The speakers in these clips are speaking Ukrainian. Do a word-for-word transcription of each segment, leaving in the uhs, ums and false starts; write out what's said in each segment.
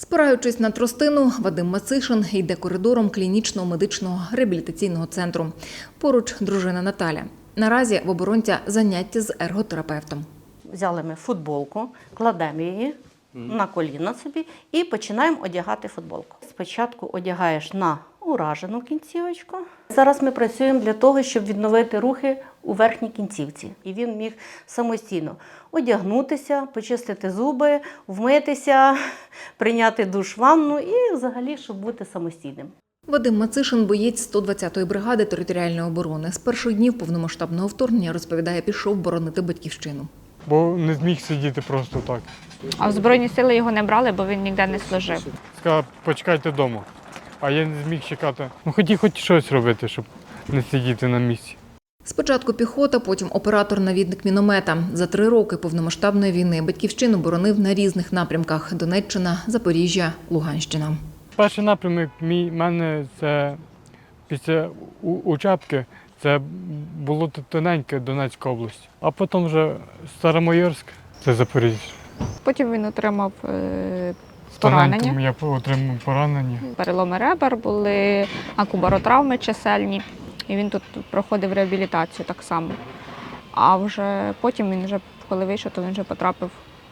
Спираючись на тростину, Вадим Мацишин йде коридором клінічного медичного реабілітаційного центру. Поруч дружина Наталя. Наразі в оборонця заняття з ерготерапевтом. Взяли ми футболку, кладемо її на коліна собі і починаємо одягати футболку. Спочатку одягаєш на уражену кінцівочку. Зараз ми працюємо для того, щоб відновити рухи у верхній кінцівці. І він міг самостійно одягнутися, почистити зуби, вмитися, прийняти душ, ванну і взагалі, щоб бути самостійним. Вадим Мацишин – боєць сто двадцятої бригади територіальної оборони. З перших днів повномасштабного вторгнення, розповідає, пішов боронити батьківщину. Бо не зміг сидіти просто так. А в Збройні сили його не брали, бо він ніде не служив. Сказав, почекайте вдома. А я не зміг чекати. Ну хотів хоч щось робити, щоб не сидіти на місці. Спочатку піхота, потім оператор-навідник міномета. За три роки повномасштабної війни батьківщину боронив на різних напрямках – Донеччина, Запоріжжя, Луганщина. Перший напрямок мій мене це після Учебки, це було тоненьке Донецька область. А потім вже Старомайорськ, це Запоріжжя. Потім він отримав е, Тоненьким поранення. я отримав поранення. Переломи ребер були, акубаротравми чисельні. І він тут проходив реабілітацію так само. А вже потім він вже, коли вийшов, то він вже потрапив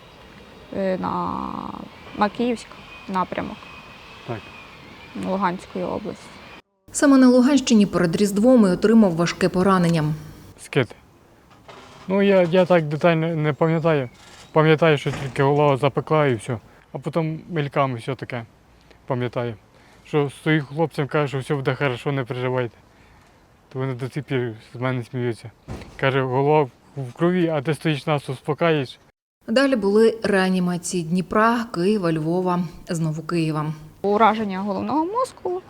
на Макіївськ напрямок. Так. Луганської області. Саме на Луганщині перед Різдвом і отримав важке поранення. Скид. Ну, я, я так детально не пам'ятаю. Пам'ятаю, що тільки голова запекла і все. А потім мельками все таке пам'ятаю. Що своїм хлопцям кажу, що все буде добре, не переживайте. То вони до сих пір з мене сміються. Каже, голова в крові, а ти стоїш нас, успокаєш. Далі були реанімації Дніпра, Києва, Львова, знову Києва. Ураження головного мозку,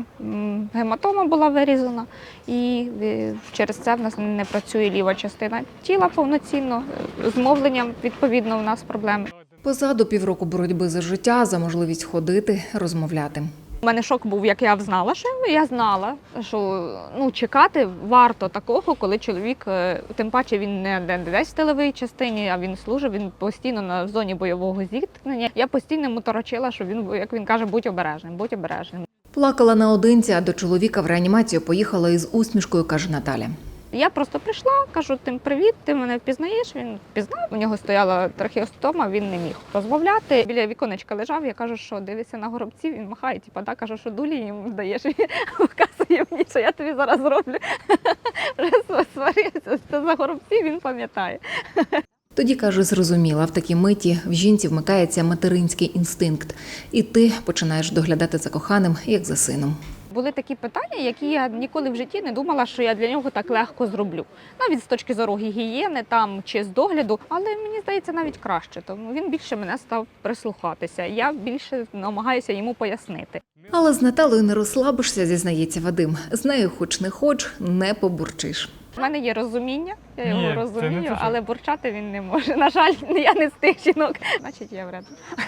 гематома була вирізана, і через це в нас не працює ліва частина тіла повноцінно, з мовленням, відповідно, у нас проблеми. Позаду півроку боротьби за життя, за можливість ходити, розмовляти. У мене шок був, як я знала, що я знала, що ну, чекати варто такого, коли чоловік, тим паче він не десь в тиловій частині, а він служив, він постійно на зоні бойового зіткнення. Я постійно йому торочила, що він, як він каже, будь обережним, будь обережним. Плакала наодинці, а до чоловіка в реанімацію поїхала із усмішкою, каже Наталя. Я просто прийшла, кажу, тим привіт, ти мене впізнаєш? Він впізнав, у нього стояла трахеостома, він не міг розмовляти. Біля віконечка лежав, я кажу, що дивися на горобців, він махає, типу, да, кажу, що дулі йому здаєш. Він вказує мені, що я тобі зараз зроблю. Вже сварився, це за горобців, він пам'ятає. Тоді, каже, зрозуміла, в такій миті в жінці вмикається материнський інстинкт. І ти починаєш доглядати за коханим, як за сином. Були такі питання, які я ніколи в житті не думала, що я для нього так легко зроблю. Навіть з точки зору гігієни там, чи з догляду, але мені здається навіть краще, тому він більше мене став прислухатися. Я більше намагаюся йому пояснити. Але з Наталою не розслабишся, зізнається Вадим. З нею хоч не хоч, не побурчиш. У мене є розуміння, я його Ні, розумію, це не те, що- але бурчати він не може. На жаль, я не з тих жінок. Значить, я вредна.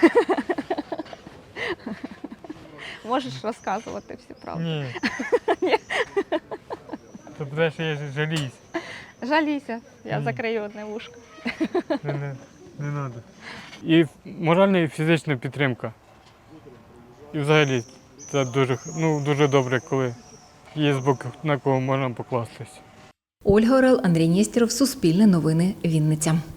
Можеш розказувати всю правду. Ні. Ні. Це буде, що я жаліюсь. Жалійся, я Ні. закрию одне вушко. Не, не, не треба. І моральна і фізична підтримка. І взагалі це дуже, ну, дуже добре, коли є з боку, на кого можна покластися. Ольга Орел, Андрій Нєстєров, Суспільне новини, Вінниця.